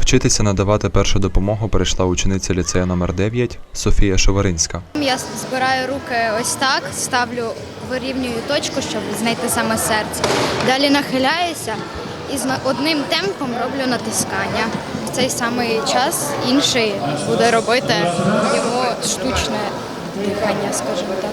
Вчитися надавати першу допомогу прийшла учениця ліцею номер 9 Софія Шоваринська. Я збираю руки ось так, ставлю, вирівнюю точку, щоб знайти саме серце. Далі нахиляюся і з одним темпом роблю натискання. В цей самий час інший буде робити його штучне дихання, скажімо так.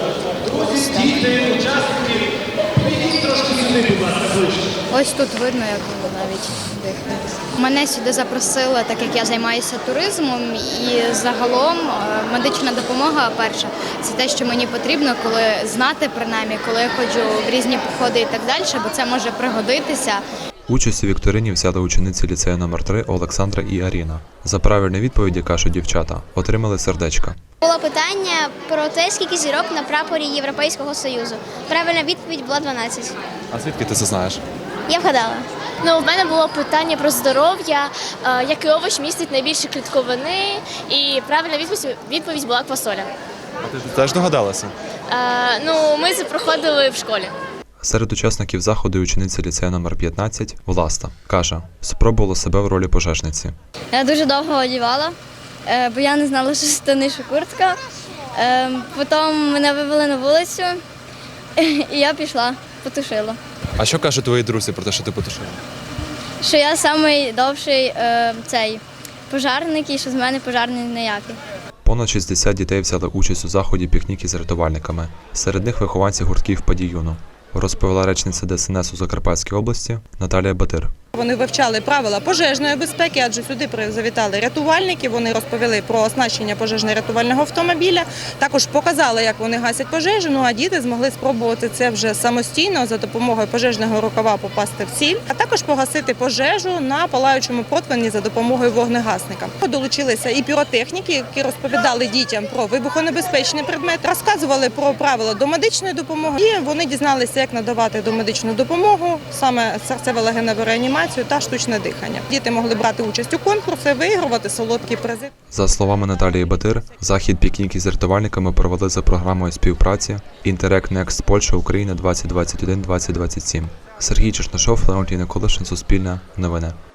Ось тут видно, як воно навіть дихає. Мене сюди запросили, так як я займаюся туризмом, і загалом медична допомога перша – це те, що мені потрібно, коли знати, принаймні, коли я ходжу в різні походи і так далі, бо це може пригодитися. Участь у вікторині взяли учениці ліцею номер 3 Олександра і Аріна. За правильні відповіді, кажуть дівчата, отримали сердечка. Було питання про те, скільки зірок на прапорі Європейського Союзу. Правильна відповідь була 12. А звідки ти це знаєш? Я вгадала. В мене було питання про здоров'я, який овоч містить найбільше клітковини, і правильна відповідь була квасоля. А ти теж догадалася? Ми це проходили в школі. Серед учасників заходу учениця ліцею номер 15 Власта. Каже, спробувала себе в ролі пожежниці. Я дуже довго одягала, бо я не знала, що штани, що куртка. Потім мене вивели на вулицю, і я пішла, потушила. А що кажуть твої друзі про те, що ти потушила? Що я найдовший пожарник і що з мене пожарний ніякий. Понад 60 дітей взяли участь у заході пікніки з рятувальниками. Серед них вихованці гуртків «Падіюну», розповіла речниця ДСНС у Закарпатській області Наталія Батир. Вони вивчали правила пожежної безпеки, адже сюди завітали рятувальники, вони розповіли про оснащення пожежно-рятувального автомобіля, також показали, як вони гасять пожежу, а діти змогли спробувати це вже самостійно за допомогою пожежного рукава попасти в ціль, а також погасити пожежу на палаючому противні за допомогою вогнегасника. Долучилися і піротехніки, які розповідали дітям про вибухонебезпечні предмети, розказували про правила домедичної допомоги, і вони дізналися, як надавати домедичну допомогу, саме серцево-легеневу реанімацію та штучне дихання. Діти могли брати участь у конкурсі, вигравати солодкі призи. За словами Наталії Батир, захід пікніки з рятувальниками провели за програмою співпраці «Interreg Next Польща Україна 2021-2027». Сергій Чернишов, Леонтій Николишин, Суспільне, Новини.